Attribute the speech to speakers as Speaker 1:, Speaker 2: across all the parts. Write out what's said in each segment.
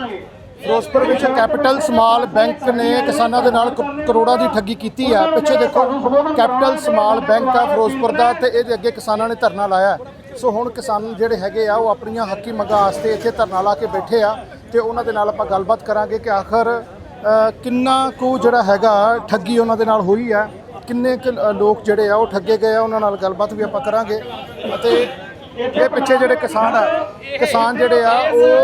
Speaker 1: ਫਿਰੋਜ਼ਪੁਰ ਵਿੱਚ capital small bank ਨੇ ਕਿਸਾਨਾਂ ਦੇ ਨਾਲ ਕਰੋੜਾਂ ਦੀ ਠੱਗੀ ਕੀਤੀ ਆ। ਪਿੱਛੇ ਦੇਖੋ ਕੈਪੀਟਲ ਸਮਾਲ ਬੈਂਕ ਆ ਫਿਰੋਜ਼ਪੁਰ ਦਾ, ਤੇ ਇਹਦੇ ਅੱਗੇ ਕਿਸਾਨਾਂ ਨੇ ਧਰਨਾ ਲਾਇਆ। ਸੋ ਹੁਣ ਕਿਸਾਨ ਜਿਹੜੇ ਹੈਗੇ ਆ ਉਹ ਆਪਣੀਆਂ ਹੱਕੀ ਮੰਗਾਂ ਵਾਸਤੇ ਇੱਥੇ ਧਰਨਾ ਲਾ ਕੇ ਬੈਠੇ ਆ, ਤੇ ਉਹਨਾਂ ਦੇ ਨਾਲ ਆਪਾਂ ਗੱਲਬਾਤ ਕਰਾਂਗੇ ਕਿ ਆਖਰ ਕਿੰਨਾ ਕੁ ਜਿਹੜਾ ਹੈਗਾ ਠੱਗੀ ਉਹਨਾਂ ਦੇ ਨਾਲ ਹੋਈ ਆ, ਕਿੰਨੇ ਕੁ ਲੋਕ ਜਿਹੜੇ ਆ ਉਹ ਠੱਗੇ ਗਏ ਆ, ਉਹਨਾਂ ਨਾਲ ਗੱਲਬਾਤ ਵੀ ਆਪਾਂ ਕਰਾਂਗੇ। ਅਤੇ ਇਹ ਪਿੱਛੇ ਜਿਹੜੇ ਕਿਸਾਨ ਜਿਹੜੇ ਆ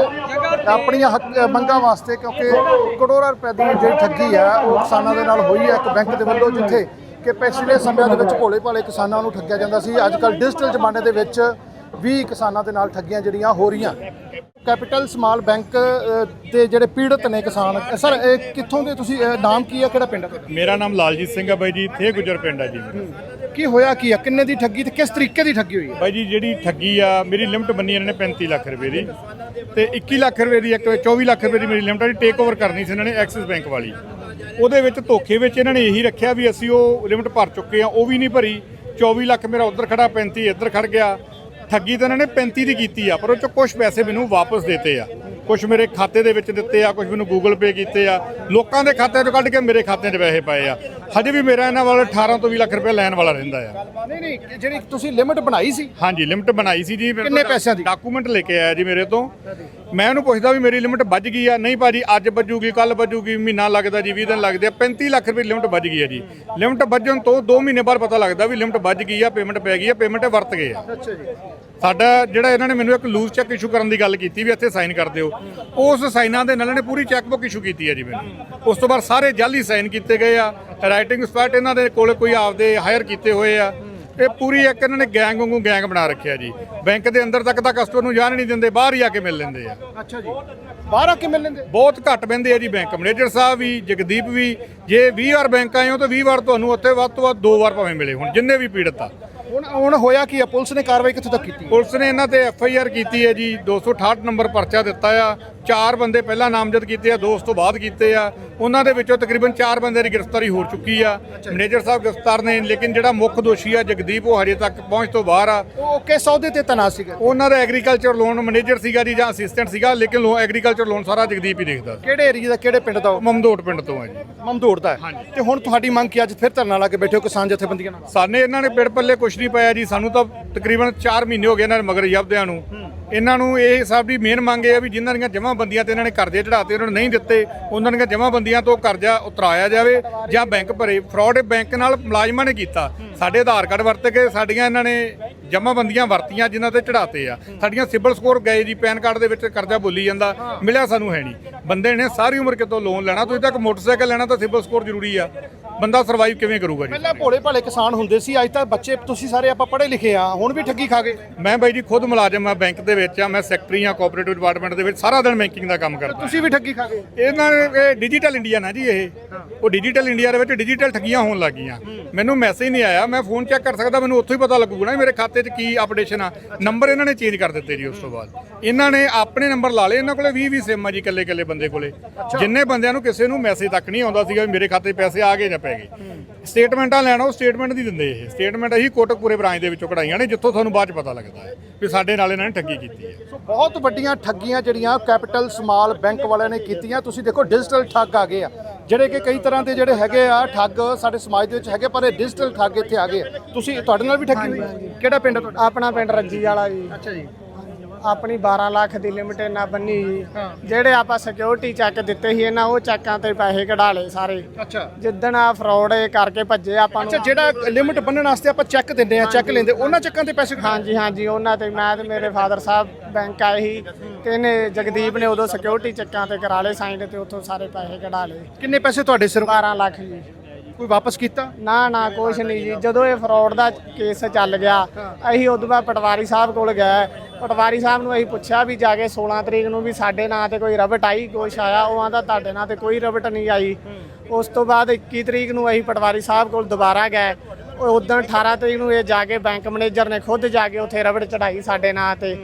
Speaker 1: ਉਹ ਆਪਣੀਆਂ ਮੰਗਾਂ ਵਾਸਤੇ, ਕਿਉਂਕਿ ਕਰੋੜਾਂ ਰੁਪਏ ਦੀ ਜਿਹੜੀ ਠੱਗੀ ਆ ਉਹ ਕਿਸਾਨਾਂ ਦੇ ਨਾਲ ਹੋਈ ਹੈ ਇੱਕ ਬੈਂਕ ਦੇ ਵੱਲੋਂ, ਜਿੱਥੇ ਕਿ ਪਿਛਲੇ ਸਮਿਆਂ ਦੇ ਵਿੱਚ ਭੋਲੇ ਭਾਲੇ ਕਿਸਾਨਾਂ ਨੂੰ ਠੱਗਿਆ ਜਾਂਦਾ ਸੀ। ਅੱਜ ਕੱਲ੍ਹ ਡਿਜੀਟਲ ਜ਼ਮਾਨੇ ਦੇ ਵਿੱਚ ਵੀ ਕਿਸਾਨਾਂ ਦੇ ਨਾਲ ਠੱਗੀਆਂ ਜਿਹੜੀਆਂ ਹੋ ਰਹੀਆਂ। ਕੈਪੀਟਲ ਸਮਾਲ ਬੈਂਕ ਦੇ ਜਿਹੜੇ ਪੀੜਤ ਨੇ ਕਿਸਾਨ, ਸਰ ਇਹ ਕਿੱਥੋਂ ਦੇ ਤੁਸੀਂ, ਨਾਮ ਕੀ ਆ, ਕਿਹੜਾ ਪਿੰਡ ਹੈ?
Speaker 2: ਮੇਰਾ ਨਾਮ ਲਾਲਜੀਤ ਸਿੰਘ ਹੈ ਬਾਈ ਜੀ, ਥੇ ਗੁਜਰ ਪਿੰਡ ਹੈ ਜੀ।
Speaker 1: ਕੀ ਹੋਇਆ ਕੀ ਆ, ਕਿੰਨੇ ਦੀ ਠੱਗੀ ਤੇ ਕਿਸ ਤਰੀਕੇ ਦੀ ਠੱਗੀ ਹੋਈ ਹੈ?
Speaker 2: ਬਾਈ ਜੀ ਜਿਹੜੀ ਠੱਗੀ ਆ, ਮੇਰੀ ਲਿਮਟ ਬੰਨੀ ਇਹਨਾਂ ਨੇ 35 ਲੱਖ ਰੁਪਏ ਦੀ, ਤੇ 21 ਲੱਖ ਰੁਪਏ ਦੀ, 24 ਲੱਖ ਰੁਪਏ ਦੀ ਮੇਰੀ ਲਿਮਟ ਆ ਜੀ, ਟੇਕ ਓਵਰ ਕਰਨੀ ਸੀ ਇਹਨਾਂ ਨੇ ਐਕਸਿਸ ਬੈਂਕ ਵਾਲੀ। ਉਹਦੇ ਵਿੱਚ ਧੋਖੇ ਵਿੱਚ ਇਹਨਾਂ ਨੇ ਇਹੀ ਰੱਖਿਆ ਵੀ ਅਸੀਂ ਉਹ ਲਿਮਟ ਭਰ ਚੁੱਕੇ ਆ, ਉਹ ਵੀ ਨਹੀਂ ਭਰੀ। 24 ਲੱਖ ਮੇਰਾ ਉੱਧਰ ਖੜਾ, 35 ਇੱਧਰ ਖੜ ਗਿਆ। ਠੱਗੀ ਤਾਂ ਇਹਨਾਂ ਨੇ 35 ਦੀ ਕੀਤੀ ਆ, ਪਰ ਉਹ 'ਚੋਂ ਕੁਝ ਪੈਸੇ ਮੈਨੂੰ ਵਾਪਸ ਦਿੱਤੇ ਆ, ਕੁਝ ਮੇਰੇ ਖਾਤੇ ਦੇ ਵਿੱਚ ਦਿੱਤੇ ਆ, ਕੁਝ ਮੈਨੂੰ ਗੂਗਲ ਪੇ ਕੀਤੇ ਆ, ਲੋਕਾਂ ਦੇ ਖਾਤਿਆਂ 'ਚੋਂ ਕੱਢ ਕੇ ਮੇਰੇ ਖਾਤੇ 'ਚ ਪੈਸੇ ਪਾਏ ਆ। ਹਜੇ ਵੀ ਮੇਰਾ ਇਹਨਾਂ ਵੱਲ 18 ਤੋਂ 20 ਲੱਖ ਰੁਪਏ ਲੈਣ ਵਾਲਾ ਰਹਿੰਦਾ ਆ।
Speaker 1: ਨਹੀਂ, ਜਿਹੜੀ ਤੁਸੀਂ ਲਿਮਟ ਬਣਾਈ ਸੀ?
Speaker 2: ਹਾਂਜੀ, ਲਿਮਟ ਬਣਾਈ ਸੀ ਜੀ।
Speaker 1: ਕਿੰਨੇ ਪੈਸਿਆਂ ਦੀ?
Speaker 2: ਡਾਕੂਮੈਂਟ ਲੈ ਕੇ ਆਇਆ ਜੀ ਮੇਰੇ ਤੋਂ। ਮੈਂ ਉਹਨੂੰ ਪੁੱਛਦਾ ਵੀ ਮੇਰੀ ਲਿਮਟ ਵੱਜ ਗਈ ਆ? ਨਹੀਂ ਭਾਜੀ, ਅੱਜ ਵੱਜੂਗੀ, ਕੱਲ ਵੱਜੂਗੀ, ਮਹੀਨਾ ਲੱਗਦਾ ਜੀ, 20 ਦਿਨ ਲੱਗਦੇ ਆ। 35 ਲੱਖ ਰੁਪਏ ਲਿਮਟ ਵੱਜ ਗਈ ਆ ਜੀ। ਲਿਮਟ ਵੱਜਣ ਤੋਂ 2 ਮਹੀਨੇ ਬਾਅਦ ਪਤਾ ਲੱਗਦਾ ਵੀ ਲਿਮਟ ਵੱਜ ਗਈ ਆ, ਪੇਮੈਂਟ ਪੈ ਗਈ ਆ, ਪੇਮੈਂਟ ਵਰਤ ਗਏ ਆ।
Speaker 1: ਅੱਛਾ ਜੀ।
Speaker 2: ਸਾਡਾ ਜਿਹੜਾ ਇਹਨਾਂ ਨੇ ਮੈਨੂੰ ਇੱਕ ਲੂਜ਼ ਚੈੱਕ ਇਸ਼ੂ ਕਰਨ ਦੀ ਗੱਲ ਕੀਤੀ ਵੀ ਇੱਥੇ ਸਾਈਨ ਕਰ ਦਿਓ, ਉਸ ਸਾਈਨਾਂ ਦੇ ਨਾਲ ਇਹਨੇ ਪੂਰੀ ਚੈੱਕਬੁੱਕ ਇਸ਼ੂ ਕੀਤੀ ਹੈ ਜੀ ਮੈਨੂੰ। ਉਸ ਤੋਂ ਬਾਅਦ ਸਾਰੇ ਜਾਲੀ ਸਾਈਨ ਕੀਤੇ ਗਏ ਆ, ਰਾਈਟਿੰਗ ਸਪੈਟ ਇਹਨਾਂ ਦੇ ਕੋਲ ਕੋਈ ਆਪਦੇ ਹਾਇਰ ਕੀਤੇ ਹੋਏ ਆ। ਇਹ ਪੂਰੀ ਇੱਕ ਇਹਨਾਂ ਨੇ ਗੈਂਗ ਵਾਂਗੂ ਗੈਂਗ ਬਣਾ ਰੱਖਿਆ ਜੀ। ਬੈਂਕ ਦੇ ਅੰਦਰ ਤੱਕ ਤਾਂ ਕਸਟਮਰ ਨੂੰ ਜਾਣ ਨਹੀਂ ਦਿੰਦੇ, ਬਾਹਰ ਹੀ ਆ ਕੇ ਮਿਲ ਲੈਂਦੇ ਆ।
Speaker 1: ਅੱਛਾ ਜੀ, ਬਾਹਰ ਆ ਕੇ ਮਿਲ ਲੈਂਦੇ?
Speaker 2: ਬਹੁਤ ਘੱਟ ਬਹਿੰਦੇ ਆ ਜੀ ਬੈਂਕ ਮੈਨੇਜਰ ਸਾਹਿਬ ਵੀ, ਜਗਦੀਪ ਵੀ। ਜੇ 20 ਵਾਰ ਬੈਂਕ ਆਏ ਹੋ ਤਾਂ 20 ਵਾਰ ਤੁਹਾਨੂੰ ਉੱਥੇ ਵੱਧ ਤੋਂ ਵੱਧ 2 ਵਾਰ ਭਾਵੇਂ ਮਿਲੇ ਹੁਣ, ਜਿੰਨੇ ਵੀ ਪੀੜਤ ਆ।
Speaker 1: ਹੁਣ ਹੋਇਆ ਕੀ ਆ? ਪੁਲਿਸ ਨੇ ਕਾਰਵਾਈ ਕਿੱਥੋਂ ਤੱਕ ਕੀਤੀ?
Speaker 2: ਪੁਲਿਸ ਨੇ ਇਹਨਾਂ ਤੇ FIR ਕੀਤੀ ਹੈ ਜੀ, 268 ਨੰਬਰ ਪਰਚਾ ਦਿੱਤਾ ਆ। 4 ਬੰਦੇ ਪਹਿਲਾਂ ਨਾਮਜ਼ਦ ਕੀਤੇ ਆ, 2 ਉਸ ਤੋਂ ਬਾਅਦ ਕੀਤੇ ਆ। ਉਹਨਾਂ ਦੇ ਵਿੱਚੋਂ ਤਕਰੀਬਨ 4 ਬੰਦੇ ਦੀ ਗ੍ਰਿਫਤਾਰੀ ਹੋ ਚੁੱਕੀ ਆ। ਮੈਨੇਜਰ ਸਾਹਿਬ ਗ੍ਰਿਫਤਾਰ ਨੇ, ਲੇਕਿਨ ਜਿਹੜਾ ਮੁੱਖ ਦੋਸ਼ੀ ਆ ਜਗਦੀਪ, ਉਹ ਹਜੇ ਤੱਕ ਪਹੁੰਚ ਤੋਂ ਬਾਹਰ ਆ।
Speaker 1: ਉਹ ਕਿਸ ਅਹੁਦੇ ਤੇ ਤੈਨਾਤ ਸੀਗਾ?
Speaker 2: ਉਹਨਾਂ ਦਾ ਐਗਰੀਕਲਚਰ ਲੋਨ ਮੈਨੇਜਰ ਸੀਗਾ ਜੀ, ਜਾਂ ਅਸਿਸਟੈਂਟ ਸੀਗਾ, ਲੇਕਿਨ ਐਗਰੀਕਲਚਰ ਲੋਨ ਸਾਰਾ ਜਗਦੀਪ ਹੀ ਦੇਖਦਾ।
Speaker 1: ਕਿਹੜੇ ਏਰੀਆ ਦਾ, ਕਿਹੜੇ ਪਿੰਡ ਦਾ?
Speaker 2: ਮਮਦੋਟ ਪਿੰਡ ਤੋਂ ਆ ਜੀ।
Speaker 1: ਮਮਦੋਟ ਦਾ? ਹਾਂਜੀ। ਤੇ ਹੁਣ ਤੁਹਾਡੀ ਮੰਗ ਕੀ, ਅੱਜ ਫਿਰ ਧਰਨਾ ਲਾ ਕੇ ਬੈਠੇ ਹੋ ਕਿਸਾਨ ਜਥੇਬੰਦੀਆਂ ਨਾਲ?
Speaker 2: ਸਾਨੇ ਇਹਨਾਂ ਨੇ ਪਿੜ ਪੱਲੇ ਕੁਛ ਨਹੀਂ ਪਾਇਆ ਜੀ। ਸਾਨੂੰ ਤਾਂ ਤਕਰੀਬਨ 4 ਮਹੀਨੇ ਹੋ ਗਏ ਇਹਨਾਂ ਦੇ ਮਗਰ ਜਬਦਿਆਂ ਨੂੰ। ਇਹਨਾਂ ਨੂੰ ਇਹ ਸਭ ਦੀ ਮੇਨ ਮੰਗ ਇਹ ਆ ਵੀ ਜਿਨ੍ਹਾਂ ਦੀਆਂ ਜਮ੍ਹਾਂਬੰਦੀਆਂ ਤੇ ਇਹਨਾਂ ਨੇ ਕਰਜ਼ੇ ਚੜਾਤੇ, ਉਹਨਾਂ ਨੂੰ ਨਹੀਂ ਦਿੱਤੇ, ਉਹਨਾਂ ਦੀਆਂ ਜਮ੍ਹਾਂਬੰਦੀਆਂ ਤੋਂ ਕਰਜ਼ਾ ਉਤਰਾਇਆ ਜਾਵੇ ਜਾਂ ਬੈਂਕ ਭਰੇ। ਫਰਾਡ ਬੈਂਕ ਨਾਲ ਮੁਲਾਜ਼ਮਾਂ ਨੇ ਕੀਤਾ। ਸਾਡੇ ਆਧਾਰ ਕਾਰਡ ਵਰਤ ਕੇ ਸਾਡੀਆਂ ਇਹਨਾਂ ਨੇ ਜਮ੍ਹਾਂਬੰਦੀਆਂ ਵਰਤੀਆਂ, ਜਿਨ੍ਹਾਂ ਤੇ ਚੜਾਤੇ ਆ। ਸਾਡੀਆਂ ਸਿਬਲ ਸਕੋਰ ਗਏ ਜੀ, ਪੈਨ ਕਾਰਡ ਦੇ ਵਿੱਚ ਕਰਜ਼ਾ ਬੋਲੀ ਜਾਂਦਾ, ਮਿਲਿਆ ਸਾਨੂੰ ਹੈ ਨਹੀਂ। ਬੰਦੇ ਨੇ ਸਾਰੀ ਉਮਰ ਕਿਤੋਂ ਲੋਨ ਲੈਣਾ, ਤੁਸੀਂ ਤੱਕ ਮੋਟਰਸਾਈਕਲ ਲੈਣਾ ਤਾਂ ਸਿਬਲ ਸਕੋਰ ਜ਼ਰੂਰੀ ਆ। ਬੰਦਾ ਸਰਵਾਈਵ ਕਿਵੇਂ ਕਰੂਗਾ ਜੀ?
Speaker 1: ਪਹਿਲਾਂ ਭੋਲੇ ਭਾਲੇ ਕਿਸਾਨ ਹੁੰਦੇ ਸੀ, ਅੱਜ ਤਾਂ ਬੱਚੇ ਤੁਸੀਂ ਸਾਰੇ ਆਪਾਂ ਪੜ੍ਹੇ ਲਿਖੇ ਆ, ਹੁਣ ਵੀ ਠੱਗੀ ਖਾ ਗਏ।
Speaker 2: ਮੈਂ ਬਾਈ ਜੀ ਖੁਦ ਮੁਲਾਜ਼ਮ ਆ ਬੈਂਕ ਦੇ ਵਿੱਚ ਆ, ਮੈਂ ਸੈਕਟਰੀ ਆ ਕੋਆਪਰੇਟਿਵ ਡਿਪਾਰਟਮੈਂਟ ਦੇ ਵਿੱਚ, ਸਾਰਾ ਦਿਨ ਬੈਂਕਿੰਗ ਦਾ ਕੰਮ ਕਰਦਾ।
Speaker 1: ਤੁਸੀਂ ਵੀ ਠੱਗੀ ਖਾ ਗਏ?
Speaker 2: ਇਹਨਾਂ ਨੇ ਡਿਜੀਟਲ ਇੰਡੀਆ ਨਾ ਜੀ, ਉਹ ਡਿਜੀਟਲ ਇੰਡੀਆ ਦੇ ਵਿੱਚ ਡਿਜੀਟਲ ਠੱਗੀਆਂ ਹੋਣ ਲੱਗ ਗਈਆਂ। ਮੈਨੂੰ ਮੈਸੇਜ ਨਹੀਂ ਆਇਆ, ਮੈਂ ਫੋਨ ਚੈੱਕ ਕਰ ਸਕਦਾ, ਮੈਨੂੰ ਉੱਥੋਂ ਹੀ ਪਤਾ ਲੱਗੂਗਾ ਨਾ ਮੇਰੇ ਖਾਤੇ 'ਚ ਕੀ ਅਪਡੇਸ਼ਨ ਆ। ਨੰਬਰ ਇਹਨਾਂ ਨੇ ਚੇਂਜ ਕਰ ਦਿੱਤੇ ਜੀ। ਉਸ ਤੋਂ ਬਾਅਦ ਇਹਨਾਂ ਨੇ ਆਪਣੇ ਨੰਬਰ ਲਾ ਲਏ। ਇਹਨਾਂ ਕੋਲੇ 20 ਸਿਮ ਆ ਜੀ, ਇਕੱਲੇ ਬੰਦੇ ਕੋਲੇ। ਜਿੰਨੇ ਬੰਦਿਆਂ ਨੂੰ ਕਿਸੇ ਨੂੰ ਮੈਸੇਜ ਤੱਕ ਨਹੀਂ ਆਉਂਦਾ ਸੀਗਾ ਵੀ ਮੇਰੇ ਖਾਤੇ 'ਚ ਪੈਸੇ ਆ ਗਏ ਜਾਂ ਪੈ ਗਏ। ਸਟੇਟਮੈਂਟਾਂ ਲੈਣਾ, ਉਹ ਸਟੇਟਮੈਂਟ ਨਹੀਂ ਦਿੰਦੇ। ਇਹ ਸਟੇਟਮੈਂਟ ਅਸੀਂ ਕੋਟਕਪੂਰੇ ਬ੍ਰਾਂਚ ਦੇ ਵਿੱਚੋਂ ਕਢਾਈਆਂ ਨੇ, ਜਿੱਥੋਂ ਤੁਹਾਨੂੰ ਬਾਅਦ 'ਚ ਪਤਾ ਲੱਗਦਾ ਹੈ ਵੀ ਸਾਡੇ ਨਾਲ ਇਹਨਾਂ ਨੇ ਠੱਗੀ ਕੀਤੀ ਹੈ।
Speaker 1: ਸੋ ਬਹੁਤ ਵੱਡੀਆਂ ਠੱਗੀਆਂ ਜਿਹੜੀਆਂ ਕੈਪੀਟਲ ਸਮਾਲ ਬੈਂਕ ਵਾਲਿਆਂ ਨੇ ਕੀਤੀਆਂ। ਤੁਸੀਂ ਦੇਖੋ ਡਿਜੀਟਲ ਠੱਗ ਆ ਗਏ ਆ, ਜਿਹੜੇ ਕਿ ਕਈ ਤਰ੍ਹਾਂ ਦੇ ਜਿਹੜੇ ਹੈਗੇ ਆ ਠੱਗ ਸਾਡੇ ਸਮਾਜ ਦੇ ਵਿੱਚ ਹੈਗੇ, ਪਰ ਇਹ ਡਿਜੀਟਲ ਠੱਗ ਇੱਥੇ ਆ ਗਏ ਆ। ਤੁਸੀਂ, ਤੁਹਾਡੇ ਨਾਲ ਵੀ ਠੱਗੀ ਹੋਈ? ਕਿਹੜਾ ਪਿੰਡ ਤੁਹਾਡਾ?
Speaker 3: ਆਪਣਾ ਪਿੰਡ ਰੱਜੀ ਵਾਲਾ ਜੀ।
Speaker 1: ਅੱਛਾ ਜੀ।
Speaker 3: ਆਪਣੀ 12 ਲੱਖ ਦੀ ਲਿਮਟ ਨਾ ਬੰਨੀ ਜੀ। ਜਿਹੜੇ ਆਪਾਂ ਸਿਕਿਉਰਿਟੀ ਚੈੱਕ ਦਿੱਤੇ ਸੀ ਇਹਨਾਂ, ਉਹ ਚੈੱਕਾਂ ਤੇ ਪੈਸੇ ਕਢਾ ਲਏ ਸਾਰੇ।
Speaker 1: ਅੱਛਾ।
Speaker 3: ਜਿੱਦਣ ਆ ਫਰਾਡ ਕਰਕੇ ਭੱਜੇ ਆਪਾਂ ਨੂੰ।
Speaker 1: ਅੱਛਾ, ਜਿਹੜਾ ਲਿਮਟ ਬੰਨਣ ਵਾਸਤੇ ਆਪਾਂ ਚੈੱਕ ਦਿੰਦੇ ਆ, ਚੈੱਕ ਲੈਂਦੇ, ਉਹਨਾਂ ਚੈੱਕਾਂ ਤੇ ਪੈਸੇ?
Speaker 3: ਹਾਂਜੀ, ਉਹਨਾਂ ਤੇ ਮੈਂ ਤੇ ਮੇਰੇ ਫਾਦਰ ਸਾਹਿਬ ਬੈਂਕ ਆਏ ਸੀ, ਤੇ ਇਹਨੇ ਜਗਦੀਪ ਨੇ ਉਦੋਂ ਸਿਕਿਉਰਿਟੀ ਚੈੱਕਾਂ ਤੇ ਕਰਾ ਲਏ ਸਾਈਨ, ਤੇ ਉੱਥੋਂ ਸਾਰੇ ਪੈਸੇ ਕਢਾ ਲਏ।
Speaker 1: ਕਿੰਨੇ ਪੈਸੇ ਤੁਹਾਡੇ ਸਿਰ?
Speaker 3: 12 ਲੱਖ ਜੀ।
Speaker 1: ਕੋਈ ਵਾਪਸ ਕੀਤਾ?
Speaker 3: ਨਾ ਕੁਛ ਨਹੀਂ ਜੀ। ਜਦੋਂ ਇਹ ਫਰਾਡ ਦਾ ਕੇਸ ਚੱਲ ਗਿਆ, ਅਸੀਂ ਉਦੋਂ ਬਾਅਦ ਪਟਵਾਰੀ ਸਾਹਿਬ ਕੋਲ ਗਏ। ਪਟਵਾਰੀ ਸਾਹਿਬ ਨੂੰ ਅਸੀਂ ਪੁੱਛਿਆ ਵੀ ਜਾ ਕੇ 16 ਤਰੀਕ ਨੂੰ ਵੀ ਸਾਡੇ ਨਾਂ ਤੇ ਕੋਈ ਰਬਟ ਆਈ, ਕੁਛ ਆਇਆ? ਉਹ ਆਂਦਾ ਤੁਹਾਡੇ ਨਾਂ ਤੇ ਕੋਈ ਰਬਟ ਨਹੀਂ ਆਈ। ਉਸ ਤੋਂ ਬਾਅਦ 21 ਤਰੀਕ ਨੂੰ ਅਸੀਂ ਪਟਵਾਰੀ ਸਾਹਿਬ ਕੋਲ ਦੁਬਾਰਾ ਗਏ। ਉਦੋਂ 18 ਤਰੀਕ ਨੂੰ ਇਹ ਜਾ ਕੇ ਬੈਂਕ ਮੈਨੇਜਰ ਨੇ ਖੁਦ ਜਾ ਕੇ ਉੱਥੇ ਰਬਟ ਚੜਾਈ ਸਾਡੇ ਨਾਂ ਤੇ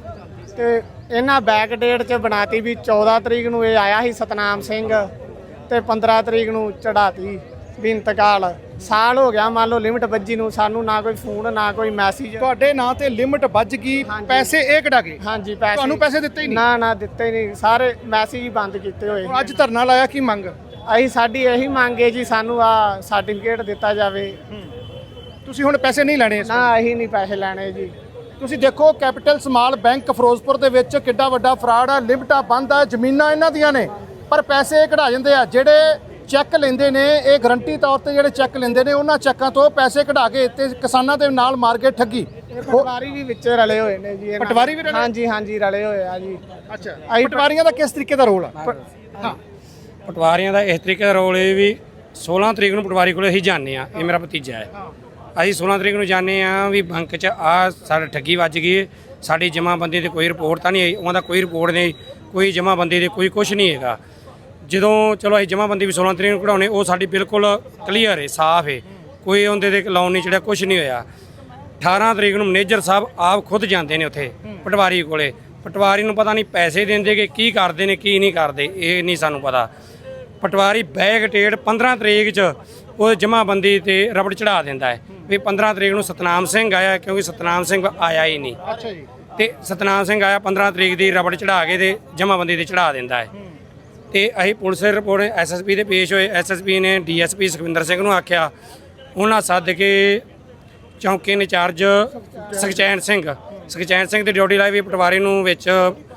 Speaker 3: ਇਹਨਾਂ ਬੈਕ ਡੇਟ 'ਚ ਬਣਾਤੀ ਵੀ 14 ਤਰੀਕ ਨੂੰ ਇਹ ਆਇਆ ਸੀ ਸਤਨਾਮ ਸਿੰਘ, ਤੇ 15 ਤਰੀਕ ਨੂੰ ਚੜਾਤੀ ਵੀ ਇੰਤਕਾਲ। ਸਾਲ ਹੋ ਗਿਆ ਮੰਨ ਲਓ ਲਿਮਟ ਵੱਜੀ ਨੂੰ, ਸਾਨੂੰ ਨਾ ਕੋਈ ਫੋਨ ਨਾ ਕੋਈ ਮੈਸੇਜ।
Speaker 1: ਤੁਹਾਡੇ ਨਾਂ ਤੇ ਲਿਮਟ ਵੱਜ ਗਈ, ਪੈਸੇ ਇਹ ਕਢਾ ਗਏ?
Speaker 3: ਹਾਂਜੀ ਪੈਸੇ।
Speaker 1: ਤੁਹਾਨੂੰ ਪੈਸੇ ਦਿੱਤੇ ਹੀ ਨਹੀਂ?
Speaker 3: ਨਾ ਦਿੱਤੇ ਨਹੀਂ, ਸਾਰੇ ਮੈਸੇਜ ਹੀ ਬੰਦ ਕੀਤੇ ਹੋਏ।
Speaker 1: ਅੱਜ ਧਰਨਾ ਲਾਇਆ, ਕੀ ਮੰਗ?
Speaker 3: ਅਸੀਂ ਸਾਡੀ ਇਹੀ ਮੰਗ ਹੈ ਜੀ, ਸਾਨੂੰ ਆ ਸਰਟੀਫਿਕੇਟ ਦਿੱਤਾ ਜਾਵੇ।
Speaker 1: ਤੁਸੀਂ ਹੁਣ ਪੈਸੇ ਨਹੀਂ ਲੈਣੇ ਇਸ
Speaker 3: ਨਾ ਅਸੀਂ ਨਹੀਂ ਪੈਸੇ ਲੈਣੇ ਜੀ।
Speaker 1: ਤੁਸੀਂ ਦੇਖੋ ਕੈਪੀਟਲ ਸਮਾਲ ਬੈਂਕ ਫਿਰੋਜ਼ਪੁਰ ਦੇ ਵਿੱਚ ਕਿੱਡਾ ਵੱਡਾ ਫਰਾਡ ਆ। ਲਿਮਟਾਂ ਬੰਦ ਆ, ਜ਼ਮੀਨਾਂ ਇਹਨਾਂ ਦੀਆਂ ਨੇ, ਪਰ ਪੈਸੇ ਕਢਾ ਜਾਂਦੇ ਆ। ਜਿਹੜੇ ਚੈੱਕ ਲੈਂਦੇ ਨੇ, ਇਹ ਗਰੰਟੀ ਤੌਰ ਤੇ ਜਿਹੜੇ ਚੈੱਕ ਲੈਂਦੇ ਨੇ, ਉਹਨਾਂ ਚੈੱਕਾਂ ਤੋਂ ਪੈਸੇ ਕਢਾ ਕੇ ਤੇ ਕਿਸਾਨਾਂ ਦੇ ਨਾਲ ਮਾਰ ਕੇ ਠੱਗੀ।
Speaker 3: ਪਟਵਾਰੀ ਵੀ ਵਿੱਚ ਰਲੇ ਹੋਏ ਨੇ ਜੀ।
Speaker 1: ਪਟਵਾਰੀ ਵੀ ਰਲੇ?
Speaker 3: ਹਾਂਜੀ ਰਲੇ ਹੋਏ ਆ ਜੀ।
Speaker 1: ਅੱਛਾ, ਪਟਵਾਰੀਆਂ ਦਾ ਕਿਸ ਤਰੀਕੇ ਦਾ ਰੋਲ ਆ?
Speaker 4: ਹਾਂ, ਪਟਵਾਰੀਆਂ ਦਾ ਇਸ ਤਰੀਕੇ ਦਾ ਰੋਲ ਇਹ ਵੀ 16 ਤਰੀਕ ਨੂੰ ਪਟਵਾਰੀ ਕੋਲ ਅਸੀਂ ਜਾਂਦੇ ਆ। ਇਹ ਮੇਰਾ ਭਤੀਜਾ ਹੈ। ਅਸੀਂ 16 ਤਰੀਕ ਨੂੰ ਜਾਂਦੇ ਆ ਵੀ ਬੈਂਕ 'ਚ ਆ ਸਾਡਾ ਠੱਗੀ ਵੱਜ ਗਈ ਹੈ, ਸਾਡੀ ਜਮ੍ਹਾਂਬੰਦੀ ਤੇ ਕੋਈ ਰਿਪੋਰਟ ਤਾਂ ਨਹੀਂ ਆਈ। ਉਹਨਾਂ ਦਾ ਕੋਈ ਰਿਪੋਰਟ ਨਹੀਂ, ਕੋਈ ਜਮ੍ਹਾਂਬੰਦੀ ਦੇ ਕੋਈ ਕੁਝ ਨਹੀਂ ਹੈਗਾ। ਜਦੋਂ ਚਲੋ ਅਸੀਂ ਜਮ੍ਹਾਂਬੰਦੀ ਵੀ 16 ਤਰੀਕ ਨੂੰ ਕਢਾਉਣੇ, ਉਹ ਸਾਡੀ ਬਿਲਕੁਲ ਕਲੀਅਰ ਹੈ, ਸਾਫ਼ ਹੈ, ਕੋਈ ਉਹਦੇ ਤੇ ਲੋਨ ਨਹੀਂ ਚੜਿਆ, ਕੁਝ ਨਹੀਂ ਹੋਇਆ। 18 ਤਰੀਕ ਨੂੰ ਮੈਨੇਜਰ ਸਾਹਿਬ ਆਪ ਖੁਦ ਜਾਂਦੇ ਨੇ ਉੱਥੇ ਪਟਵਾਰੀ ਕੋਲੇ। ਪਟਵਾਰੀ ਨੂੰ ਪਤਾ ਨਹੀਂ ਪੈਸੇ ਦਿੰਦੇ ਕਿ ਕੀ ਕਰਦੇ ਨੇ ਕੀ ਨਹੀਂ ਕਰਦੇ, ਇਹ ਨਹੀਂ ਸਾਨੂੰ ਪਤਾ। ਪਟਵਾਰੀ ਬੈਗ ਡੇਟ 15 ਤਰੀਕ 'ਚ ਉਹ ਜਮ੍ਹਾਂਬੰਦੀ ਤੇ ਰਬੜ ਚੜਾ ਦਿੰਦਾ ਹੈ ਵੀ 15 ਤਰੀਕ ਨੂੰ ਸਤਨਾਮ ਸਿੰਘ ਆਇਆ, ਕਿਉਂਕਿ ਸਤਨਾਮ ਸਿੰਘ ਆਇਆ ਹੀ ਨਹੀਂ।
Speaker 1: ਅੱਛਾ ਜੀ।
Speaker 4: ਤੇ ਸਤਨਾਮ ਸਿੰਘ ਆਇਆ 15 ਤਰੀਕ ਦੀ ਰਬੜ ਚੜਾ ਕੇ ਤੇ ਜਮ੍ਹਾਂਬੰਦੀ ਤੇ ਚੜਾ ਦਿੰਦਾ ਹੈ। ਤੇ ਅਸੀਂ ਪੁਲਿਸ ਰਿਪੋਰਟ ਐਸਐਸਪੀ ਦੇ ਪੇਸ਼ ਹੋਏ। ਐਸਐਸਪੀ ਨੇ ਡੀਐਸਪੀ ਸੁਖਵਿੰਦਰ ਸਿੰਘ ਨੂੰ ਆਖਿਆ, ਉਹਨਾਂ ਸੱਦ ਕੇ ਚੌਂਕੀ ਇੰਚਾਰਜ ਸੁਖਚੈਨ ਸਿੰਘ ਦੀ ਡਿਊਟੀ ਲਾਈ ਵੀ ਪਟਵਾਰੀ ਨੂੰ ਵਿੱਚ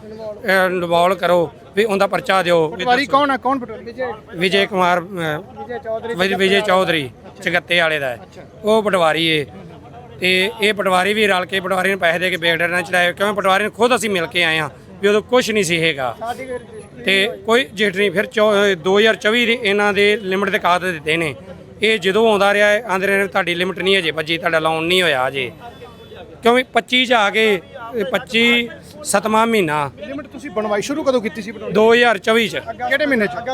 Speaker 4: ਇਨਵੋਲਵ ਕਰੋ, ਵੀ ਉਹਦਾ ਪਰਚਾ ਦਿਓ।
Speaker 1: ਪਟਵਾਰੀ ਕੌਣ ਆ? ਕੌਣ ਪਟਵਾਰੀ?
Speaker 4: ਵਿਜੇ ਕੁਮਾਰ ਵਿਜੇ ਚੌਧਰੀ ਚਗੱਤੇ ਵਾਲੇ ਦਾ ਹੈ, ਉਹ ਪਟਵਾਰੀ ਏ। ਤੇ ਇਹ ਪਟਵਾਰੀ ਵੀ ਰਲ ਕੇ ਪਟਵਾਰੀ ਨੂੰ ਪੈਸੇ ਦੇ ਕੇ ਬੇਗਡਰ ਨਾਲ ਚੜਾਏ, ਕਿਉਂਕਿ ਪਟਵਾਰੀ ਨੂੰ ਖੁਦ ਅਸੀਂ ਮਿਲ ਕੇ ਆਏ ਹਾਂ ਵੀ ਉਦੋਂ ਕੁਝ ਨਹੀਂ ਸੀ ਹੈਗਾ ਤੇ ਕੋਈ ਜੇਟ ਨਹੀਂ। ਫਿਰ 2024 ਦੇ ਇਹਨਾਂ ਦੇ ਲਿਮਟ ਦੇ ਕਾਗਜ਼ ਦਿੱਤੇ ਨੇ। ਇਹ ਜਦੋਂ ਆਉਂਦਾ ਰਿਹਾ ਹੈ ਆਂਦੇ ਰਹੇ ਤੁਹਾਡੀ ਲਿਮਟ ਨਹੀਂ ਅਜੇ ਭੱਜੀ, ਤੁਹਾਡਾ ਲੋਨ ਨਹੀਂ ਹੋਇਆ ਅਜੇ, ਕਿਉਂਕਿ 25 ਚ ਆ ਕੇ 25 7ਵਾਂ ਮਹੀਨਾ।
Speaker 1: ਲਿਮਟ ਤੁਸੀਂ ਬਣਵਾਈ ਸ਼ੁਰੂ ਕਦੋਂ ਕੀਤੀ ਸੀ?
Speaker 4: 2024 ਚ
Speaker 1: ਕਿਹੜੇ ਮਹੀਨੇ ਚ?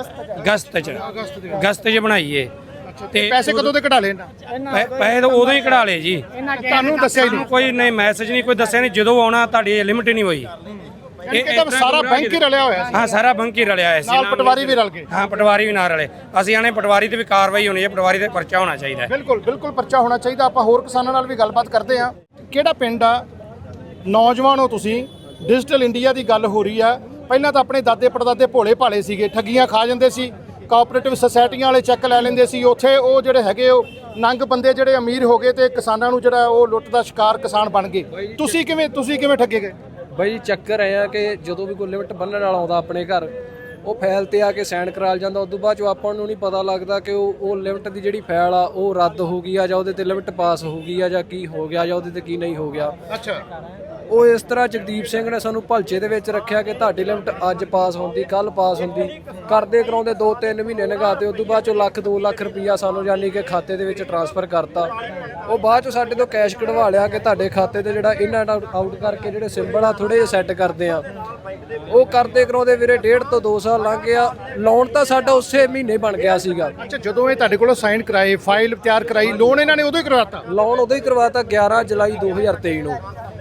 Speaker 4: ਅਗਸਤ ਚ ਬਣਾਈਏ।
Speaker 1: ਤੇ ਪੈਸੇ ਕਦੋਂ ਦੇ ਕਢਾ ਲਏ?
Speaker 4: ਪੈਸੇ ਤਾਂ ਉਦੋਂ ਹੀ ਕਢਾ ਲਏ ਜੀ।
Speaker 1: ਤੁਹਾਨੂੰ ਦੱਸਿਆ ਹੀ ਨਹੀਂ?
Speaker 4: ਕੋਈ ਨਹੀਂ, ਮੈਸੇਜ ਨਹੀਂ, ਕੋਈ ਦੱਸਿਆ ਨਹੀਂ। ਜਦੋਂ ਆਉਣਾ ਤੁਹਾਡੀ ਲਿਮਟ ਹੀ ਨਹੀਂ ਹੋਈ।
Speaker 1: ਇਹ ਤਾਂ ਸਾਰਾ ਬੈਂਕ ਹੀ ਰਲਿਆ ਹੋਇਆ ਸੀ।
Speaker 4: ਹਾਂ, ਸਾਰਾ ਬੈਂਕ ਹੀ ਰਲਿਆ ਸੀ,
Speaker 1: ਨਾਲ ਪਟਵਾਰੀ ਵੀ ਰਲ ਗਏ।
Speaker 4: ਹਾਂ, ਪਟਵਾਰੀ ਵੀ ਨਾਲ ਰਲੇ। ਅਸੀਂ ਆਣੇ ਪਟਵਾਰੀ ਤੇ ਵੀ ਕਾਰਵਾਈ ਹੋਣੀ ਹੈ, ਪਟਵਾਰੀ ਤੇ ਪਰਚਾ ਹੋਣਾ ਚਾਹੀਦਾ ਹੈ।
Speaker 1: ਬਿਲਕੁਲ ਪਰਚਾ ਹੋਣਾ ਚਾਹੀਦਾ। ਆਪਾਂ ਹੋਰ ਕਿਸਾਨਾਂ ਨਾਲ ਵੀ ਗੱਲਬਾਤ ਕਰਦੇ ਹਾਂ। ਕਿਹੜਾ ਪਿੰਡ ਆ? ਨੌਜਵਾਨ ਹੋ ਤੁਸੀਂ, ਡਿਜੀਟਲ ਇੰਡੀਆ ਦੀ ਗੱਲ ਹੋ ਰਹੀ ਆ। ਪਹਿਲਾਂ ਤਾਂ ਆਪਣੇ ਦਾਦੇ ਪੜਦਾਦੇ ਭੋਲੇ ਭਾਲੇ ਸੀਗੇ, ਠੱਗੀਆਂ ਖਾ ਜਾਂਦੇ ਸੀ, ਕੋਆਪਰੇਟਿਵ ਸੁਸਾਇਟੀਆਂ ਵਾਲੇ ਚੈੱਕ ਲੈ ਲੈਂਦੇ ਸੀ। ਉੱਥੇ ਉਹ ਜਿਹੜੇ ਹੈਗੇ ਉਹ ਨੰਗ ਬੰਦੇ ਜਿਹੜੇ ਅਮੀਰ ਹੋ ਗਏ ਤੇ ਕਿਸਾਨਾਂ ਨੂੰ ਜਿਹੜਾ ਉਹ ਲੁੱਟ ਦਾ ਸ਼ਿਕਾਰ ਕਿਸਾਨ ਬਣ ਗਏ। ਤੁਸੀਂ ਕਿਵੇਂ ਠੱਗੇ ਗਏ?
Speaker 5: ਬਈ ਚੱਕਰ ਇਹ ਆ ਕਿ ਜਦੋਂ ਵੀ ਕੋਈ ਲਿਮਟ ਬੰਨਣ ਵਾਲਾ ਆਉਂਦਾ ਆਪਣੇ ਘਰ, ਉਹ ਫਾਈਲ ਤੇ ਆ ਕੇ ਸਾਈਨ ਕਰਾ ਜਾਂਦਾ। ਉਸ ਤੋਂ ਬਾਅਦ ਜੋ ਆਪਾਂ ਨੂੰ ਨਹੀਂ ਪਤਾ ਲੱਗਦਾ ਕਿ ਉਹ ਲਿਮਟ ਦੀ ਜਿਹੜੀ ਫਾਈਲ ਆ ਉਹ ਰੱਦ ਹੋ ਗਈ ਆ, ਜਾਂ ਉਹਦੇ ਤੇ ਲਿਮਟ ਪਾਸ ਹੋ ਗਈ ਆ, ਜਾਂ ਕੀ ਹੋ ਗਿਆ, ਜਾਂ ਉਹਦੇ ਤੇ ਕੀ ਨਹੀਂ ਹੋ ਗਿਆ।
Speaker 1: ਅੱਛਾ।
Speaker 5: ਉਹ ਇਸ ਤਰ੍ਹਾਂ ਜਗਦੀਪ ਸਿੰਘ ਨੇ ਸਾਨੂੰ ਭਲਚੇ ਦੇ ਵਿੱਚ ਰੱਖਿਆ ਕਿ ਤੁਹਾਡੀ ਲਿਮਟ ਅੱਜ ਪਾਸ ਹੁੰਦੀ, ਕੱਲ ਪਾਸ ਹੁੰਦੀ, ਕਰਦੇ ਕਰਾਉਂਦੇ 2-3 ਮਹੀਨੇ ਲੰਘਾਤੇ। ਉਸ ਤੋਂ ਬਾਅਦ ਚੋਂ 1-2 ਲੱਖ ਰੁਪਈਆ ਸਾਨੂੰ ਯਾਨੀ ਕਿ ਖਾਤੇ ਦੇ ਵਿੱਚ ਟ੍ਰਾਂਸਫਰ ਕਰਤਾ। ਉਹ ਬਾਅਦ ਚੋਂ ਸਾਡੇ ਤੋਂ ਕੈਸ਼ ਕਢਵਾ ਲਿਆ ਕਿ ਤੁਹਾਡੇ ਖਾਤੇ ਤੇ ਜਿਹੜਾ ਇਨ ਆਊਟ ਕਰਕੇ ਜਿਹੜੇ ਸਿੰਬਲ ਆ ਥੋੜੇ ਜਿਹਾ ਸੈੱਟ ਕਰਦੇ ਆ। ਉਹ ਕਰਦੇ ਕਰਾਉਂਦੇ ਵੀਰੇ 1.5 ਤੋਂ 2 ਸਾਲ ਲੰਘ ਗਿਆ। ਲੋਨ ਤਾਂ ਸਾਡਾ ਉਸੇ ਮਹੀਨੇ ਬਣ ਗਿਆ ਸੀਗਾ।
Speaker 1: ਅੱਛਾ, ਜਦੋਂ ਇਹ ਤੁਹਾਡੇ ਕੋਲੋਂ ਸਾਈਨ ਕਰਾਏ, ਫਾਈਲ ਤਿਆਰ ਕਰਾਈ, ਲੋਨ ਇਹਨਾਂ ਨੇ ਉਦੋਂ ਹੀ ਕਰਵਾਤਾ?
Speaker 5: ਲੋਨ ਉਦੋਂ ਹੀ ਕਰਵਾਤਾ 11 ਜੁਲਾਈ 2023 ਨੂੰ।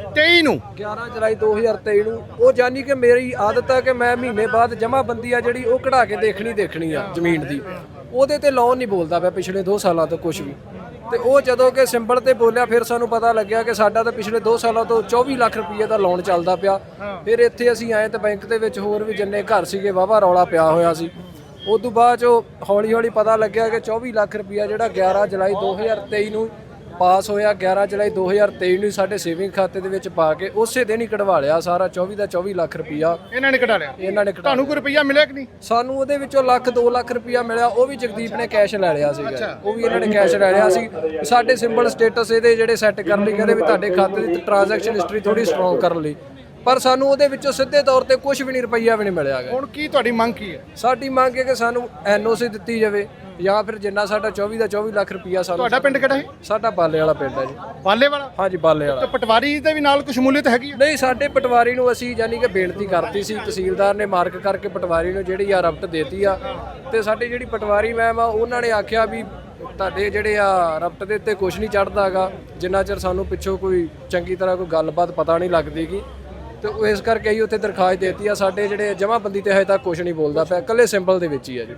Speaker 1: 11
Speaker 5: ਜੁਲਾਈ 2023 ਨੂੰ। ਉਹ ਜਾਨੀ ਕਿ ਮੇਰੀ ਆਦਤ ਹੈ ਕਿ ਮੈਂ ਮਹੀਨੇ ਬਾਅਦ ਜਮ੍ਹਾਂਬੰਦੀ ਆ ਜਿਹੜੀ ਉਹ ਕਢਾ ਕੇ ਦੇਖਣੀ ਆ ਜ਼ਮੀਨ ਦੀ। ਉਹਦੇ ਤੇ ਲੋਨ ਨਹੀਂ ਬੋਲਦਾ ਪਿਆ ਪਿਛਲੇ 2 ਸਾਲਾਂ ਤੋਂ ਕੁਝ ਵੀ। ਤੇ ਉਹ ਜਦੋਂ ਕਿ ਸਿੰਬਲ ਤੇ ਬੋਲਿਆ, ਫਿਰ ਸਾਨੂੰ ਪਤਾ ਲੱਗਿਆ ਕਿ ਸਾਡਾ ਤਾਂ ਪਿਛਲੇ 2 ਸਾਲਾਂ ਤੋਂ 24 ਲੱਖ ਰੁਪਏ ਦਾ ਲੋਨ ਚੱਲਦਾ ਪਿਆ। ਫਿਰ ਇੱਥੇ ਅਸੀਂ ਆਏ ਤਾਂ ਬੈਂਕ ਦੇ ਵਿੱਚ ਹੋਰ ਵੀ ਜਿੰਨੇ ਘਰ ਸੀਗੇ ਵਾਹਵਾ ਰੌਲਾ ਪਿਆ ਹੋਇਆ ਸੀ। ਉਸ ਤੋਂ ਬਾਅਦ 'ਚੋਂ ਹੌਲੀ ਪਤਾ ਲੱਗਿਆ ਕਿ 24 ਲੱਖ ਰੁਪਇਆ ਜਿਹੜਾ 11 ਜੁਲਾਈ 2023 ਨੂੰ ਪਾਸ ਹੋਇਆ, 11 ਜੁਲਾਈ 2023 ਨੂੰ ਸਾਡੇ ਸੇਵਿੰਗ ਖਾਤੇ ਦੇ ਵਿੱਚ ਪਾ ਕੇ ਉਸੇ ਦਿਨ ਹੀ ਕਢਵਾ ਲਿਆ ਸਾਰਾ 24 ਦਾ 24 ਲੱਖ ਰੁਪਇਆ
Speaker 1: ਇਹਨਾਂ ਨੇ ਕਢਾ ਲਿਆ। ਤੁਹਾਨੂੰ ਕੋਈ ਰੁਪਈਆ ਮਿਲਿਆ ਕਿ ਨਹੀਂ?
Speaker 5: ਸਾਨੂੰ ਉਹਦੇ ਵਿੱਚੋਂ 1-2 ਲੱਖ ਰੁਪਇਆ ਮਿਲਿਆ। ਉਹ ਵੀ ਜਗਦੀਪ ਨੇ ਕੈਸ਼ ਲੈ ਲਿਆ ਸੀਗਾ। ਉਹ ਵੀ ਇਹਨਾਂ ਨੇ ਕੈਸ਼ ਲੈ ਲਿਆ ਸੀ। ਸਾਡੇ ਸਿੰਬਲ ਸਟੇਟਸ ਇਹਦੇ ਜਿਹੜੇ ਸੈੱਟ ਕਰਨ ਲਈ ਕਹਿੰਦੇ ਵੀ ਤੁਹਾਡੇ ਖਾਤੇ ਦੀ ਟ੍ਰਾਂਜੈਕਸ਼ਨ ਹਿਸਟਰੀ ਥੋੜੀ ਸਟਰੋਂਗ ਕਰਨ ਲਈ, ਪਰ ਸਾਨੂੰ ਉਹਦੇ ਵਿੱਚੋਂ ਸਿੱਧੇ ਤੌਰ ਤੇ ਕੁਝ ਵੀ ਨਹੀਂ, ਰੁਪਈਆ ਵੀ ਨਹੀਂ ਮਿਲਿਆ।
Speaker 1: ਹੁਣ ਕੀ ਤੁਹਾਡੀ ਮੰਗ ਕੀ ਹੈ?
Speaker 5: ਸਾਡੀ ਮੰਗ ਹੈ ਕਿ ਸਾਨੂੰ ਐਨਓਸੀ ਦਿੱਤੀ ਜਾਵੇ, ਜਾਂ ਫਿਰ ਜਿੰਨਾ ਸਾਡਾ 24 ਦਾ 24 ਲੱਖ ਰੁਪਈਆ ਸਾਨੂੰ।
Speaker 1: ਤੁਹਾਡਾ ਪਿੰਡ ਕਿਹੜਾ ਹੈ?
Speaker 5: ਸਾਡਾ ਬਾਲੇ ਵਾਲਾ ਪਿੰਡ ਹੈ ਜੀ।
Speaker 1: ਬਾਲੇ ਵਾਲਾ?
Speaker 5: ਹਾਂਜੀ, ਬਾਲੇ ਵਾਲਾ।
Speaker 1: ਤੇ ਪਟਵਾਰੀ ਦੇ ਵੀ ਨਾਲ ਕੁਝ ਸ਼ਮੂਲੀਅਤ ਹੈਗੀ ਹੈ?
Speaker 5: ਨਹੀਂ, ਸਾਡੇ ਪਟਵਾਰੀ ਨੂੰ ਅਸੀਂ ਯਾਨੀ ਕਿ ਬੇਨਤੀ ਕਰਤੀ ਸੀ, ਤਹਿਸੀਲਦਾਰ ਨੇ ਮਾਰਕ ਕਰਕੇ ਪਟਵਾਰੀ ਨੂੰ ਜਿਹੜੀ ਆ ਰਪਟ ਦੇਤੀ ਆ। ਤੇ ਸਾਡੀ ਜਿਹੜੀ ਪਟਵਾਰੀ ਮੈਮ ਆ ਉਹਨਾਂ ਨੇ ਆਖਿਆ ਵੀ ਤੁਹਾਡੇ ਜਿਹੜੇ ਆ ਰਪਟ ਦੇ ਉੱਤੇ ਕੁਝ ਨਹੀਂ ਚੜ੍ਹਦਾ ਹੈਗਾ ਜਿੰਨਾ ਚਿਰ ਸਾਨੂੰ ਪਿੱਛੋਂ ਕੋਈ ਚੰਗੀ ਤਰ੍ਹਾਂ ਕੋਈ ਗੱਲਬਾਤ ਪਤਾ ਨਹੀਂ ਲੱਗਦੀਗੀ। ਤੇ ਇਸ ਕਰਕੇ ਅਸੀਂ ਉੱਥੇ ਦਰਖਾਸਤ ਦੇਤੀ ਆ। ਸਾਡੇ ਜਿਹੜੇ ਜਮ੍ਹਾਂਬੰਦੀ ਤੇ ਹਜੇ ਤੱਕ ਕੁਝ ਨਹੀਂ ਬੋਲਦਾ ਪਿਆ, ਇਕੱਲੇ ਸਿੰਬਲ ਦੇ ਵਿੱਚ ਹੀ ਆ ਜੀ।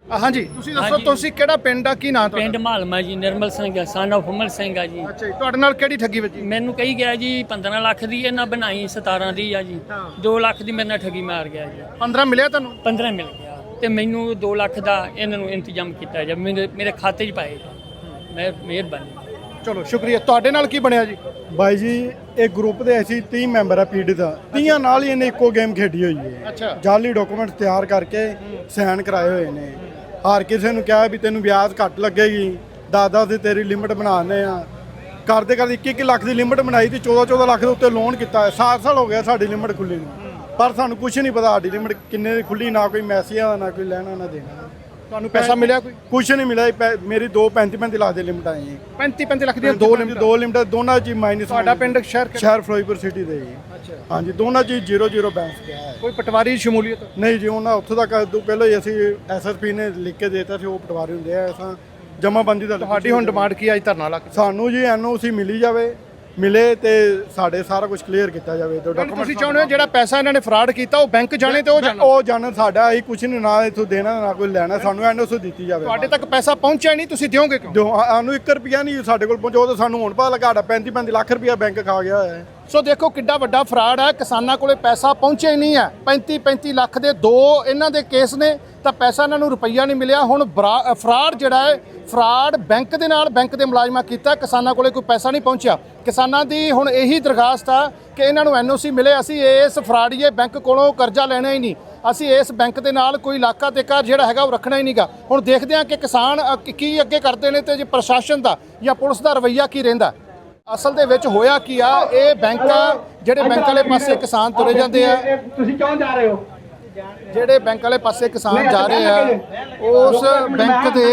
Speaker 1: ਹਾਂਜੀ ਤੁਸੀਂ ਦੱਸੋ ਤੁਸੀਂ ਕਿਹੜਾ ਪਿੰਡ ਆ, ਕੀ ਨਾਂ ਤੁਹਾਡਾ?
Speaker 6: ਪਿੰਡ ਮਾਲਮਾ ਜੀ, ਨਿਰਮਲ ਸਿੰਘ ਸਨ ਆਫ ਹੁਮਲ ਸਿੰਘ ਆ ਜੀ।
Speaker 1: ਅੱਛਾ ਜੀ, ਤੁਹਾਡੇ ਨਾਲ ਕਿਹੜੀ ਠੱਗੀ ਵੱਜੀ?
Speaker 6: ਮੈਨੂੰ ਕਹੀ ਗਿਆ ਜੀ 15 ਲੱਖ ਦੀ ਇਹਨਾਂ ਬਣਾਈ 17 ਦੀ ਆ ਜੀ। 2 ਲੱਖ ਦੀ ਮੇਰੇ ਨਾਲ ਠੱਗੀ ਮਾਰ ਗਿਆ ਜੀ।
Speaker 1: 15 ਮਿਲਿਆ ਤੁਹਾਨੂੰ?
Speaker 6: 15 ਮਿਲ ਗਿਆ ਤੇ ਮੈਨੂੰ 2 ਲੱਖ ਦਾ ਇਹਨਾਂ ਨੂੰ ਇੰਤਜ਼ਾਮ ਕੀਤਾ ਜੀ, ਮੇਰੇ ਖਾਤੇ 'ਚ ਪਾਏ। ਮੈਂ ਮਿਹਰਬਾਨੀ।
Speaker 1: ਚਲੋ ਸ਼ੁਕਰੀਆ। ਤੁਹਾਡੇ ਨਾਲ ਕੀ ਬਣਿਆ ਜੀ?
Speaker 7: ਬਾਈ ਜੀ ਇਹ ਗਰੁੱਪ ਦੇ ਅਸੀਂ 30 ਮੈਂਬਰ ਆ ਪੀੜਤ ਦਾ, 30 ਨਾਲ ਹੀ ਇਹਨੇ ਇੱਕੋ ਗੇਮ ਖੇਡੀ ਹੋਈ ਹੈ।
Speaker 1: ਅੱਛਾ।
Speaker 7: ਜਾਲੀ ਡਾਕੂਮੈਂਟ ਤਿਆਰ ਕਰਕੇ ਸਾਈਨ ਕਰਾਏ ਹੋਏ ਨੇ। ਹਰ ਕਿਸੇ ਨੂੰ ਕਿਹਾ ਵੀ ਤੈਨੂੰ ਵਿਆਜ ਘੱਟ ਲੱਗੇਗੀ, 10-10 ਦੀ ਤੇਰੀ ਲਿਮਟ ਬਣਾਉਂਦੇ ਆ। ਕਰਦੇ 21 ਲੱਖ ਦੀ ਲਿਮਟ ਬਣਾਈ ਤੇ 14 ਲੱਖ ਦੇ ਉੱਤੇ ਲੋਨ ਕੀਤਾ ਹੈ। 7 ਸਾਲ ਹੋ ਗਿਆ ਸਾਡੀ ਲਿਮਟ ਖੁੱਲੀ ਨੂੰ, ਪਰ ਸਾਨੂੰ ਕੁਝ ਨਹੀਂ ਪਤਾ ਸਾਡੀ ਲਿਮਟ ਕਿੰਨੇ ਦੀ ਖੁੱਲੀ, ਨਾ ਕੋਈ ਮੈਸੇਜ ਆ, ਨਾ ਕੋਈ ਲੈਣਾ ਨਾ ਦੇਣਾ।
Speaker 1: ਤੁਹਾਨੂੰ ਪੈਸਾ ਮਿਲਿਆ ਕੋਈ?
Speaker 7: ਕੁਝ ਨਹੀਂ ਮਿਲਿਆ। ਮੇਰੀ 35 ਲੱਖ ਦੀ ਲਿਮਟ ਆਈ ਹੈ।
Speaker 1: 35 ਲੱਖ ਦੀਆਂ ਦੋ
Speaker 7: ਲਿਮਟ ਦੋਨਾਂ ਚ ਮਾਈਨਸ।
Speaker 1: ਤੁਹਾਡਾ ਪਿੰਡ ਸ਼ਹਿਰ
Speaker 7: ਫਿਰੋਜ਼ਪੁਰ ਸਿਟੀ ਦੇ ਜੀ। ਹਾਂਜੀ, ਦੋਨਾਂ ਚ 0-0 ਬੈਂਸ ਪਿਆ ਹੈ।
Speaker 1: ਕੋਈ ਪਟਵਾਰੀ ਸ਼ਮੂਲੀਅਤ?
Speaker 7: ਨਹੀਂ ਜੀ, ਉਹਨਾਂ ਉੱਥੋਂ ਤੱਕ ਪਹਿਲਾਂ ਹੀ ਅਸੀਂ ਐਸਐਸਪੀ ਨੇ ਲਿਖ ਕੇ ਦੇਤਾ ਸੀ, ਉਹ ਪਟਵਾਰੀ ਹੁੰਦੇ ਆ। ਅਸਾਂ ਜਮਾਬੰਦੀ ਦਾ
Speaker 1: ਤੁਹਾਡੀ ਹੁਣ ਡਿਮਾਂਡ ਕੀ ਅੱਜ ਧਰਨਾ ਲਾ ਕੇ?
Speaker 7: ਸਾਨੂੰ ਜੀ ਐਨਓਸੀ ਮਿਲੀ ਜਾਵੇ, ਮਿਲੇ ਤੇ ਸਾਡੇ ਸਾਰਾ ਕੁਝ ਕਲੀਅਰ ਕੀਤਾ ਜਾਵੇ।
Speaker 1: ਤੁਸੀਂ ਚਾਹੁੰਦੇ ਹੋ ਜਿਹੜਾ ਪੈਸਾ ਇਹਨਾਂ ਨੇ ਫਰਾਡ ਕੀਤਾ ਉਹ ਬੈਂਕ ਜਾਣੇ ਤੇ
Speaker 7: ਉਹ ਜਾਣਨ, ਸਾਡਾ ਅਸੀਂ ਕੁਝ ਨਹੀਂ, ਨਾ ਇੱਥੋਂ ਦੇਣਾ ਨਾ ਕੋਈ ਲੈਣਾ। ਸਾਨੂੰ ਐਨਓਸੀ ਦਿੱਤੀ ਜਾਵੇ।
Speaker 1: ਤੁਹਾਡੇ ਤੱਕ ਪੈਸਾ ਪਹੁੰਚਿਆ ਨਹੀਂ, ਤੁਸੀਂ ਦਿਓਗੇ ਕਿਉਂ?
Speaker 7: ਸਾਨੂੰ 1 ਰੁਪਿਆ ਨਹੀਂ ਸਾਡੇ ਕੋਲ ਪਹੁੰਚੋ, ਤਾਂ ਸਾਨੂੰ ਹੁਣ ਪਤਾ ਲੱਗਾ ਸਾਡਾ 35 ਲੱਖ ਰੁਪਇਆ ਬੈਂਕ ਖਾ ਗਿਆ ਹੋਇਆ ਹੈ।
Speaker 1: ਸੋ ਦੇਖੋ ਕਿੱਡਾ ਵੱਡਾ ਫਰਾਡ ਹੈ। ਕਿਸਾਨਾਂ ਕੋਲੇ ਪੈਸਾ ਪਹੁੰਚਿਆ ਹੀ ਨਹੀਂ ਹੈ। 35 ਲੱਖ ਦੇ 2 ਇਹਨਾਂ ਦੇ ਕੇਸ ਨੇ, ਤਾਂ ਪੈਸਾ ਇਹਨਾਂ ਨੂੰ ਰੁਪਈਆ ਨਹੀਂ ਮਿਲਿਆ। ਹੁਣ ਫਰਾਡ ਜਿਹੜਾ ਹੈ, ਫਰਾਡ ਬੈਂਕ ਦੇ ਨਾਲ ਬੈਂਕ ਦੇ ਮੁਲਾਜ਼ਮਾਂ ਕੀਤਾ, ਕਿਸਾਨਾਂ ਕੋਲੇ ਕੋਈ ਪੈਸਾ ਨਹੀਂ ਪਹੁੰਚਿਆ। ਕਿਸਾਨਾਂ ਦੀ ਹੁਣ ਇਹੀ ਦਰਖਾਸਤ ਆ ਕਿ ਇਹਨਾਂ ਨੂੰ ਐਨਓਸੀ ਮਿਲੇ। ਅਸੀਂ ਇਸ ਫਰਾਡੀਏ ਬੈਂਕ ਕੋਲੋਂ ਕਰਜ਼ਾ ਲੈਣਾ ਹੀ ਨਹੀਂ, ਅਸੀਂ ਇਸ ਬੈਂਕ ਦੇ ਨਾਲ ਕੋਈ ਇਲਾਕਾ ਤੇ ਘਰ ਜਿਹੜਾ ਹੈਗਾ ਉਹ ਰੱਖਣਾ ਹੀ ਨਹੀਂਗਾ। ਹੁਣ ਦੇਖਦੇ ਹਾਂ ਕਿ ਕਿਸਾਨ ਕੀ ਅੱਗੇ ਕਰਦੇ ਨੇ ਤੇ ਜੇ ਪ੍ਰਸ਼ਾਸਨ ਦਾ ਜਾਂ ਪੁਲਿਸ ਦਾ ਰਵੱਈਆ ਕੀ ਰਹਿੰਦਾ। ਅਸਲ ਦੇ ਵਿੱਚ ਹੋਇਆ ਕੀ ਆ, ਇਹ ਬੈਂਕ ਜਿਹੜੇ ਬੈਂਕ ਵਾਲੇ ਪਾਸੇ ਕਿਸਾਨ ਤੁਰੇ ਜਾਂਦੇ ਆ,
Speaker 3: ਤੁਸੀਂ ਕਿਉਂ ਜਾ ਰਹੇ ਹੋ?
Speaker 1: ਜਿਹੜੇ ਬੈਂਕ ਵਾਲੇ ਪਾਸੇ ਕਿਸਾਨ ਜਾ ਰਹੇ ਆ, ਉਸ ਬੈਂਕ ਦੇ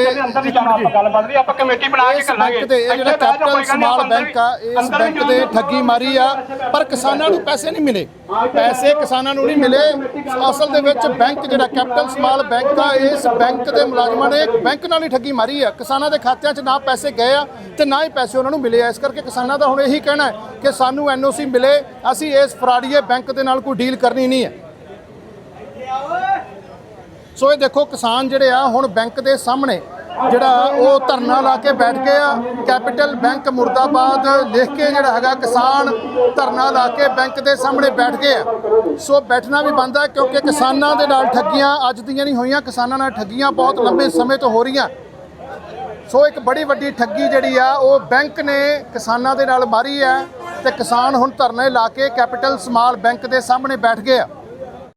Speaker 3: ਆਪਾਂ ਕਮੇਟੀ ਬਣਾ ਕੇ
Speaker 1: ਇਸ ਬੈਂਕ ਦੇ ਇਹ ਜਿਹੜਾ ਕੈਪੀਟਲ ਸਮਾਲ ਬੈਂਕ ਆ, ਇਸ ਬੈਂਕ ਦੇ ਠੱਗੀ ਮਾਰੀ ਆ, ਪਰ ਕਿਸਾਨਾਂ ਨੂੰ ਪੈਸੇ ਨਹੀਂ ਮਿਲੇ। ਪੈਸੇ ਕਿਸਾਨਾਂ ਨੂੰ ਨਹੀਂ ਮਿਲੇ। ਅਸਲ ਦੇ ਵਿੱਚ ਬੈਂਕ ਜਿਹੜਾ ਕੈਪੀਟਲ ਸਮਾਲ ਬੈਂਕ ਆ, ਇਸ ਬੈਂਕ ਦੇ ਮੁਲਾਜ਼ਮਾਂ ਨੇ ਬੈਂਕ ਨਾਲ ਹੀ ਠੱਗੀ ਮਾਰੀ ਆ। ਕਿਸਾਨਾਂ ਦੇ ਖਾਤਿਆਂ 'ਚ ਨਾ ਪੈਸੇ ਗਏ ਆ ਤੇ ਨਾ ਹੀ ਪੈਸੇ ਉਹਨਾਂ ਨੂੰ ਮਿਲੇ ਆ। ਇਸ ਕਰਕੇ ਕਿਸਾਨਾਂ ਦਾ ਹੁਣ ਇਹੀ ਕਹਿਣਾ ਹੈ ਕਿ ਸਾਨੂੰ ਐਨਓਸੀ ਮਿਲੇ, ਅਸੀਂ ਇਸ ਫਰਾਡੀਏ ਬੈਂਕ ਦੇ ਨਾਲ ਕੋਈ ਡੀਲ ਕਰਨੀ ਨਹੀਂ ਹੈ। ਸੋ ਇਹ ਦੇਖੋ ਕਿਸਾਨ ਜਿਹੜੇ ਆ ਹੁਣ ਬੈਂਕ ਦੇ ਸਾਹਮਣੇ ਜਿਹੜਾ ਉਹ ਧਰਨਾ ਲਾ ਕੇ ਬੈਠ ਗਏ ਆ। ਕੈਪੀਟਲ ਬੈਂਕ ਮੁਰਦਾਬਾਦ ਲਿਖ ਕੇ ਜਿਹੜਾ ਹੈਗਾ ਕਿਸਾਨ ਧਰਨਾ ਲਾ ਕੇ ਬੈਂਕ ਦੇ ਸਾਹਮਣੇ ਬੈਠ ਗਏ ਆ। ਸੋ ਬੈਠਣਾ ਵੀ ਬੰਦ ਹੈ ਕਿਉਂਕਿ ਕਿਸਾਨਾਂ ਦੇ ਨਾਲ ਠੱਗੀਆਂ ਅੱਜ ਦੀਆਂ ਨਹੀਂ ਹੋਈਆਂ, ਕਿਸਾਨਾਂ ਨਾਲ ਠੱਗੀਆਂ ਬਹੁਤ ਲੰਬੇ ਸਮੇਂ ਤੋਂ ਹੋ ਰਹੀਆਂ। ਸੋ ਇੱਕ ਬੜੀ ਵੱਡੀ ਠੱਗੀ ਜਿਹੜੀ ਆ ਉਹ ਬੈਂਕ ਨੇ ਕਿਸਾਨਾਂ ਦੇ ਨਾਲ ਮਾਰੀ ਹੈ ਤੇ ਕਿਸਾਨ ਹੁਣ ਧਰਨੇ ਲਾ ਕੇ ਕੈਪੀਟਲ ਸਮਾਲ ਬੈਂਕ ਦੇ ਸਾਹਮਣੇ ਬੈਠ ਗਏ ਆ।